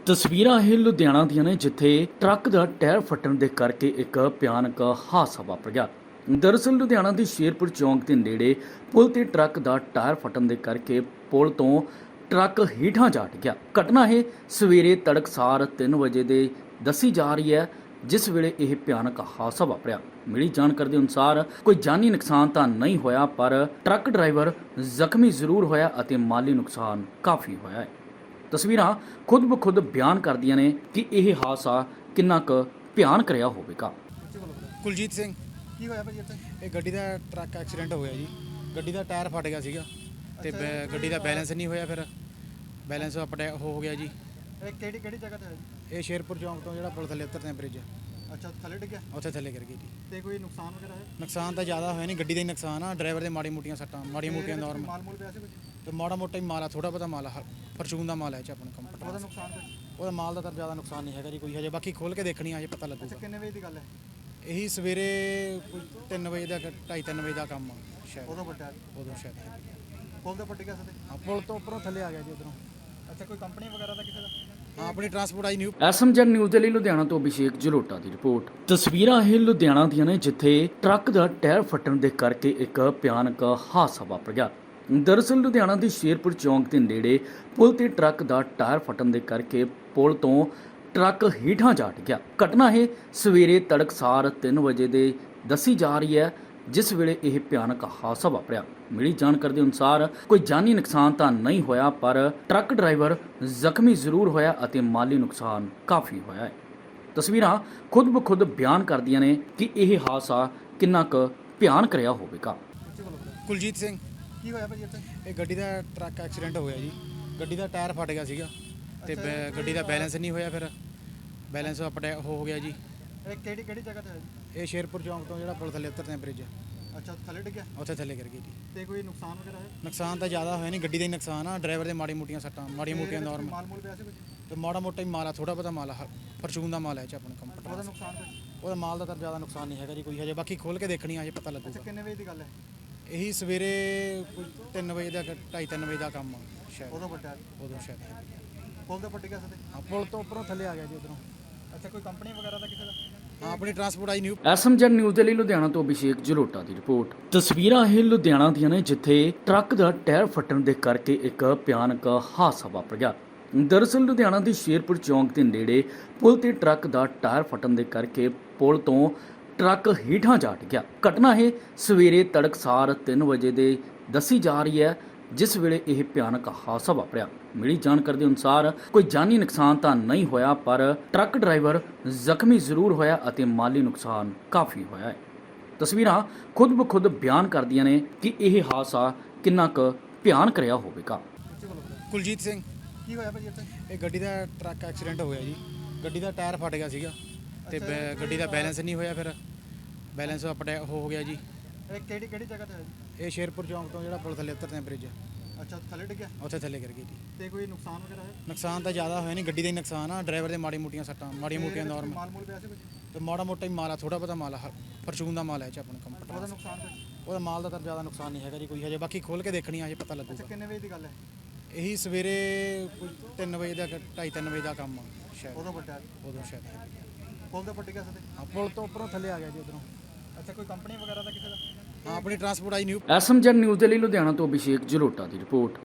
ਤਸਵੀਰਾਂ ਇਹ ਲੁਧਿਆਣਾ ਦੀਆਂ ਨੇ ਜਿੱਥੇ ਟਰੱਕ ਦਾ ਟਾਇਰ ਫਟਣ ਦੇ ਕਰਕੇ ਇੱਕ ਭਿਆਨਕ ਹਾਦਸਾ ਵਾਪਰ ਗਿਆ। ਦਰਅਸਲ ਲੁਧਿਆਣਾ ਦੀ ਸ਼ੇਰਪੁਰ ਚੌਂਕ ਦੇ ਨੇੜੇ ਪੁਲ ਤੇ ਟਰੱਕ ਦਾ ਟਾਇਰ ਫਟਣ ਦੇ ਕਰਕੇ ਪੁਲ ਤੋਂ ਟਰੱਕ ਹੇਠਾਂ ਜਾ ਡਿੱਗਿਆ। ਘਟਨਾ ਇਹ ਸਵੇਰੇ ਤੜਕਸਾਰ 3 ਵਜੇ ਦੇ ਦੱਸੀ ਜਾ ਰਹੀ ਹੈ, ਜਿਸ ਵੇਲੇ ਇਹ ਭਿਆਨਕ ਹਾਦਸਾ ਵਾਪਰਿਆ। ਮਿਲੀ ਜਾਣਕਾਰੀ ਦੇ ਅਨੁਸਾਰ ਕੋਈ ਜਾਨੀ ਨੁਕਸਾਨ ਤਾਂ ਨਹੀਂ ਹੋਇਆ, ਪਰ ਟਰੱਕ ਡਰਾਈਵਰ ਜ਼ਖਮੀ ਜ਼ਰੂਰ ਹੋਇਆ ਅਤੇ ਮਾਲੀ ਨੁਕਸਾਨ ਕਾਫੀ ਹੋਇਆ ਹੈ। ਤਸਵੀਰਾਂ ਖੁਦ ਬਖੁਦ ਬਿਆਨ ਕਰਦੀਆਂ ਨੇ ਕਿ ਇਹ ਹਾਦਸਾ ਕਿੰਨਾ ਕੁ ਭਿਆਨਕ ਰਿਹਾ ਹੋਵੇਗਾ। ਕੁਲਜੀਤ ਸਿੰਘ। ਕੀ ਹੋਇਆ ਭਾਜੀ ਇੱਥੇ? ਇਹ ਗੱਡੀ ਦਾ ਟਰੱਕ ਐਕਸੀਡੈਂਟ ਹੋਇਆ ਜੀ। ਗੱਡੀ ਦਾ ਟਾਇਰ ਫਟ ਗਿਆ ਸੀਗਾ ਤੇ ਗੱਡੀ ਦਾ ਬੈਲੈਂਸ ਨਹੀਂ ਹੋਇਆ, ਫਿਰ ਬੈਲੈਂਸ ਅਪਡੇ ਹੋ ਗਿਆ ਜੀ। ਇਹ ਕਿਹੜੀ ਜਗ੍ਹਾ ਤੇ ਹੋਇਆ ਜੀ? ਇਹ ਸ਼ੇਰਪੁਰ ਚੌਂਕ ਤੋਂ ਜਿਹੜਾ ਪੁਲ ਥੱਲੇ ਉਤਰਦੇ ਆ ਬ੍ਰਿਜ, ਅੱਛਾ, ਥੱਲੇ ਡਿੱਗਿਆ ਉੱਥੇ ਥੱਲੇ ਗਿਰ ਗਈ ਜੀ। ਤੇ ਕੋਈ ਨੁਕਸਾਨ ਵਗੈਰਾ ਹੈ? ਨੁਕਸਾਨ ਤਾਂ ਜ਼ਿਆਦਾ ਹੋਇਆ ਨਹੀਂ, ਗੱਡੀ ਦਾ ਹੀ ਨੁਕਸਾਨ ਆ। ਡਰਾਈਵਰ ਦੇ ਮਾੜੀ ਮੋਟੀਆਂ ਸੱਟਾਂ, ਮਾੜੀਆਂ ਮੋਟੀਆਂ ਨਾਰਮਲ, ਮਾਲ ਮੂਲ ਪਿਆ ਸੀ ਕੁਝ? ਤੇ ਮਾੜਾ ਮੋਟਾ ਹੀ ਮਾਲ ਆ, ਥੋੜਾ ਬਹੁਤਾ ਮਾਲ ਆ, ਫਰਚੂਨ ਦਾ ਮਾਲ ਹੈ ਚ ਆਪਣੇ ਕੰਪਨੀ। ਉਹਦਾ ਨੁਕਸਾਨ ਕੁਝ? ਉਹਦਾ ਮਾਲ ਦਾ ਤਾਂ ਜ਼ਿਆਦਾ ਨੁਕਸਾਨ ਨਹੀਂ ਹੈਗਾ ਜੀ ਕੋਈ ਹਜੇ, ਬਾਕੀ ਖੋਲ ਕੇ ਦੇਖਣੀ ਆ, ਹਜੇ ਪਤਾ ਅੱਛਾ, ਲੱਗੂਗਾ। ਕਿੰਨੇ ਵਜੇ ਦੀ ਗੱਲ ਹੈ? ਇਹੀ ਸਵੇਰੇ ਕੋਈ 3 ਵਜੇ ਦਾ 2:30-3 ਵਜੇ ਦਾ ਕੰਮ ਆ ਸ਼ਾਇਦ, ਉਦੋਂ ਵੱਡਾ ਉਦੋਂ ਸ਼ਾਇਦ। ਪੁਲ ਦੇ ਪੱਟੀ ਗਿਆ ਸਦੇ? ਹਾਂ, ਪੁਲ ਤੋਂ ਉੱਪਰੋਂ ਥੱਲੇ ਆ ਗਿਆ ਜੀ ਉਧਰੋਂ। ਅੱਛਾ, ਕੋਈ ਕੰਪਨੀ ਵਗੈਰਾ ਦਾ ਕਿਸੇ ਦਾ? ਹਾਂ, ਆਪਣੀ ਟਰਾਂਸਪੋਰਟ ਆਈ ਨਿਊ। ਐਸਐਮਜੈਡ ਨਿਊਜ਼ ਦੇ ਲਈ ਲੁਧਿਆਣਾ ਤੋਂ ਅਭਿਸ਼ੇਕ ਜਲੋਟਾ ਦੀ ਰਿਪੋਰਟ। ਤਸਵੀਰਾਂ ਇਹ ਲੁਧਿਆਣਾ ਦੀਆਂ ਨੇ ਜਿੱਥੇ ਟਰੱਕ ਦਾ ਟਾਇਰ ਫਟਣ ਦੇ ਕਰਕੇ ਇੱਕ ਭਿਆਨਕ ਹਾਦਸਾ ਵਾਪਰ ਗਿਆ। ਦਰਅਸਲ ਲੁਧਿਆਣਾ ਦੀ ਸ਼ੇਰਪੁਰ ਚੌਂਕ ਦੇ ਨੇੜੇ ਪੁਲ ਤੇ ਟਰੱਕ ਦਾ ਟਾਇਰ ਫਟਣ ਦੇ ਕਰਕੇ ਪੁਲ ਤੋਂ ਟਰੱਕ ਹੇਠਾਂ ਜਾ ਡਿੱਗਿਆ। ਘਟਨਾ ਇਹ ਸਵੇਰੇ ਤੜਕਸਾਰ 3 ਵਜੇ ਦੇ ਦੱਸੀ ਜਾ ਰਹੀ ਹੈ, ਜਿਸ ਵੇਲੇ ਇਹ ਭਿਆਨਕ ਹਾਦਸਾ ਵਾਪਰਿਆ। ਮਿਲੀ ਜਾਣਕਾਰੀ ਦੇ ਅਨੁਸਾਰ ਕੋਈ ਜਾਨੀ ਨੁਕਸਾਨ ਤਾਂ ਨਹੀਂ ਹੋਇਆ, ਪਰ ਟਰੱਕ ਡਰਾਈਵਰ ਜ਼ਖਮੀ ਜ਼ਰੂਰ ਹੋਇਆ ਅਤੇ ਮਾਲੀ ਨੁਕਸਾਨ ਕਾਫੀ ਹੋਇਆ ਹੈ। ਤਸਵੀਰਾਂ ਖੁਦ ਬਖੁਦ ਬਿਆਨ ਕਰਦੀਆਂ ਨੇ ਕਿ ਇਹ ਹਾਦਸਾ ਕਿੰਨਾ ਕੁ ਭਿਆਨਕ ਰਿਹਾ ਹੋਵੇਗਾ। ਕੁਲਜੀਤ ਸਿੰਘ। ਕੀ ਹੋਇਆ ਭਾਜੀ ਇੱਥੇ? ਇਹ ਗੱਡੀ ਦਾ ਟਰੱਕ ਐਕਸੀਡੈਂਟ ਹੋਇਆ ਜੀ। ਗੱਡੀ ਦਾ ਟਾਇਰ ਫਟ ਗਿਆ ਸੀਗਾ ਤੇ ਗੱਡੀ ਦਾ ਬੈਲੈਂਸ ਨਹੀਂ ਹੋਇਆ, ਫਿਰ ਬੈਲੈਂਸ ਅਪਡੇ ਹੋ ਗਿਆ ਜੀ। ਇਹ ਕਿਹੜੀ ਜਗ੍ਹਾ ਤੇ ਹੋਇਆ ਜੀ? ਇਹ ਸ਼ੇਰਪੁਰ ਚੌਂਕ ਤੋਂ ਜਿਹੜਾ ਪੁਲ ਥੱਲੇ ਉਤਰਦੇ ਆ ਬ੍ਰਿਜ, ਅੱਛਾ, ਥੱਲੇ ਡਿੱਗਿਆ ਉੱਥੇ ਥੱਲੇ ਗਿਰ ਗਈ ਜੀ। ਤੇ ਕੋਈ ਨੁਕਸਾਨ ਵਗੈਰਾ ਹੈ? ਨੁਕਸਾਨ ਤਾਂ ਜ਼ਿਆਦਾ ਹੋਇਆ ਨਹੀਂ, ਗੱਡੀ ਦਾ ਹੀ ਨੁਕਸਾਨ ਆ। ਡਰਾਈਵਰ ਦੇ ਮਾੜੀ ਮੋਟੀਆਂ ਸੱਟਾਂ, ਮਾੜੀਆਂ ਮੋਟੀਆਂ ਨਾਰਮਲ, ਮਾਲ ਮੂਲ ਪਿਆ ਸੀ ਕੁਝ? ਤੇ ਮਾੜਾ ਮੋਟਾ ਹੀ ਮਾਲ ਆ, ਥੋੜਾ ਬਹੁਤਾ ਮਾਲ ਆ, ਫਰਚੂਨ ਦਾ ਮਾਲ ਹੈ ਚ ਆਪਣੇ ਕੰਪਨੀ। ਉਹਦਾ ਨੁਕਸਾਨ ਕੁਝ? ਉਹਦਾ ਮਾਲ ਦਾ ਤਾਂ ਜ਼ਿਆਦਾ ਨੁਕਸਾਨ ਨਹੀਂ ਹੈਗਾ ਜੀ ਕੋਈ ਹਜੇ, ਬਾਕੀ ਖੋਲ ਕੇ ਦੇਖਣੀ ਆ, ਹਜੇ ਪਤਾ ਅੱਛਾ, ਲੱਗੂਗਾ। ਕਿੰਨੇ ਵਜੇ ਦੀ ਗੱਲ ਹੈ? ਇਹੀ ਸਵੇਰੇ ਕੋਈ 3 ਵਜੇ ਦਾ 2:30-3 ਵਜੇ ਦਾ ਕੰਮ ਆ ਸ਼ਾਇਦ, ਉਦੋਂ ਵੱਡਾ ਉਦੋਂ ਸ਼ਾਇਦ। ਪੁਲ ਦੇ ਪੱਟੀ ਗਿਆ ਸਦੇ? ਹਾਂ, ਪੁਲ ਤੋਂ ਉੱਪਰੋਂ ਥੱਲੇ ਆ ਗਿਆ ਜੀ ਉਧਰੋਂ। ਅੱਛਾ, ਕੋਈ ਕੰਪਨੀ ਵਗੈਰਾ ਦਾ ਕਿਸੇ ਦਾ? ਹਾਂ, ਆਪਣੀ ਟਰਾਂਸਪੋਰਟ ਆਈ ਨਿਊ। ਐਸਐਮਜੈਡ ਨਿਊਜ਼ ਦੇ ਲਈ ਲੁਧਿਆਣਾ ਤੋਂ ਅਭਿਸ਼ੇਕ ਜਲੋਟਾ ਦੀ ਰਿਪੋਰਟ। ਤਸਵੀਰਾਂ ਇਹ ਲੁਧਿਆਣਾ ਦੀਆਂ ਨੇ ਜਿੱਥੇ ਟਰੱਕ ਦਾ ਟਾਇਰ ਫਟਣ ਦੇ ਕਰਕੇ ਇੱਕ ਭਿਆਨਕ ਹਾਦਸਾ ਵਾਪਰ ਗਿਆ। ਦਰਅਸਲ ਲੁਧਿਆਣਾ ਦੀ ਸ਼ੇਰਪੁਰ ਚੌਂਕ ਦੇ ਨੇੜੇ ਪੁਲ ਤੇ ਟਰੱਕ ਦਾ ਟਾਇਰ ਫਟਣ ਦੇ ਕਰਕੇ ਪੁਲ ਤੋਂ ਟਰੱਕ ਹੇਠਾਂ ਜਾ ਡਿੱਗਿਆ। ਘਟਨਾ ਇਹ ਸਵੇਰੇ ਤੜਕਸਾਰ 3 ਵਜੇ ਦੇ ਦੱਸੀ ਜਾ ਰਹੀ ਹੈ, ਜਿਸ ਵੇਲੇ ਇਹ ਭਿਆਨਕ ਹਾਦਸਾ ਵਾਪਰਿਆ। ਮਿਲੀ ਜਾਣਕਾਰੀ ਦੇ ਅਨੁਸਾਰ ਕੋਈ ਜਾਨੀ ਨੁਕਸਾਨ ਤਾਂ ਨਹੀਂ ਹੋਇਆ, ਪਰ ਟਰੱਕ ਡਰਾਈਵਰ ਜ਼ਖਮੀ ਜ਼ਰੂਰ ਹੋਇਆ ਅਤੇ ਮਾਲੀ ਨੁਕਸਾਨ ਕਾਫੀ ਹੋਇਆ ਹੈ। ਤਸਵੀਰਾਂ ਖੁਦ ਬਖੁਦ ਬਿਆਨ ਕਰਦੀਆਂ ਨੇ ਕਿ ਇਹ ਹਾਦਸਾ ਕਿੰਨਾ ਕੁ ਭਿਆਨਕ ਰਿਹਾ ਹੋਵੇਗਾ। ਕੁਲਜੀਤ ਸਿੰਘ। ਕੀ ਹੋਇਆ ਭਾਜੀ ਇੱਥੇ? ਇਹ ਗੱਡੀ ਦਾ ਟਰੱਕ ਐਕਸੀਡੈਂਟ ਹੋਇਆ ਜੀ। ਗੱਡੀ ਦਾ ਟਾਇਰ ਫਟ ਗਿਆ ਸੀਗਾ ਤੇ ਗੱਡੀ ਦਾ ਬੈਲੈਂਸ ਨਹੀਂ ਹੋਇਆ, ਫਿਰ ਬੈਲੈਂਸ ਅਪਡੇ ਹੋ ਗਿਆ ਜੀ। ਇਹ ਕਿਹੜੀ ਜਗ੍ਹਾ ਤੇ ਹੋਇਆ ਜੀ? ਇਹ ਸ਼ੇਰਪੁਰ ਚੌਂਕ ਤੋਂ ਜਿਹੜਾ ਪੁਲ ਥੱਲੇ ਉਤਰਦੇ ਆ ਬ੍ਰਿਜ, ਅੱਛਾ, ਥੱਲੇ ਡਿੱਗਿਆ ਉੱਥੇ ਥੱਲੇ ਗਿਰ ਗਈ ਜੀ। ਤੇ ਕੋਈ ਨੁਕਸਾਨ ਵਗੈਰਾ ਹੈ? ਨੁਕਸਾਨ ਤਾਂ ਜ਼ਿਆਦਾ ਹੋਇਆ ਨਹੀਂ, ਗੱਡੀ ਦਾ ਹੀ ਨੁਕਸਾਨ ਆ। ਡਰਾਈਵਰ ਦੇ ਮਾੜੀ ਮੋਟੀਆਂ ਸੱਟਾਂ, ਮਾੜੀਆਂ ਮੋਟੀਆਂ ਨਾਰਮਲ, ਮਾਲ ਮੂਲ ਪਿਆ ਸੀ ਕੁਝ? ਤੇ ਮਾੜਾ ਮੋਟਾ ਹੀ ਮਾਲ ਆ, ਥੋੜਾ ਬਹੁਤਾ ਮਾਲ ਆ, ਫਰਚੂਨ ਦਾ ਮਾਲ ਹੈ ਚ ਆਪਣੇ ਕੰਪਨੀ। ਉਹਦਾ ਨੁਕਸਾਨ ਕੁਝ? ਉਹਦਾ ਮਾਲ ਦਾ ਤਾਂ ਜ਼ਿਆਦਾ ਨੁਕਸਾਨ ਨਹੀਂ ਹੈਗਾ ਜੀ ਕੋਈ ਹਜੇ, ਬਾਕੀ ਖੋਲ ਕੇ ਦੇਖਣੀ ਆ, ਹਜੇ ਪਤਾ ਅੱਛਾ, ਲੱਗੂਗਾ। ਕਿੰਨੇ ਵਜੇ ਦੀ ਗੱਲ ਹੈ? ਇਹੀ ਸਵੇਰੇ ਕੋਈ 3 ਵਜੇ ਦਾ 2:30-3 ਵਜੇ ਦਾ ਕੰਮ ਆ ਸ਼ਾਇਦ, ਉਦੋਂ ਵੱਡਾ ਉਦੋਂ ਸ਼ਾਇਦ। ਪੁਲ ਦੇ ਪੱਟੀ ਗਿਆ ਸਦੇ? ਹਾਂ, ਪੁਲ ਤੋਂ ਉੱਪਰੋਂ ਥੱਲੇ ਆ ਗਿਆ ਜੀ ਉਧਰੋਂ। ਅੱਛਾ, ਕੋਈ ਕੰਪਨੀ ਵਗੈਰਾ ਦਾ ਕਿਸੇ ਦਾ? ਹਾਂ, ਆਪਣੀ ਟਰਾਂਸਪੋਰਟ ਆਈ ਨਿਊ। ਐਸਐਮਜੈਡ ਨਿਊਜ਼ ਦੇ ਲਈ ਲੁਧਿਆਣਾ ਤੋਂ ਅਭਿਸ਼ੇਕ ਜਲੋਟਾ ਦੀ ਰਿਪੋਰਟ।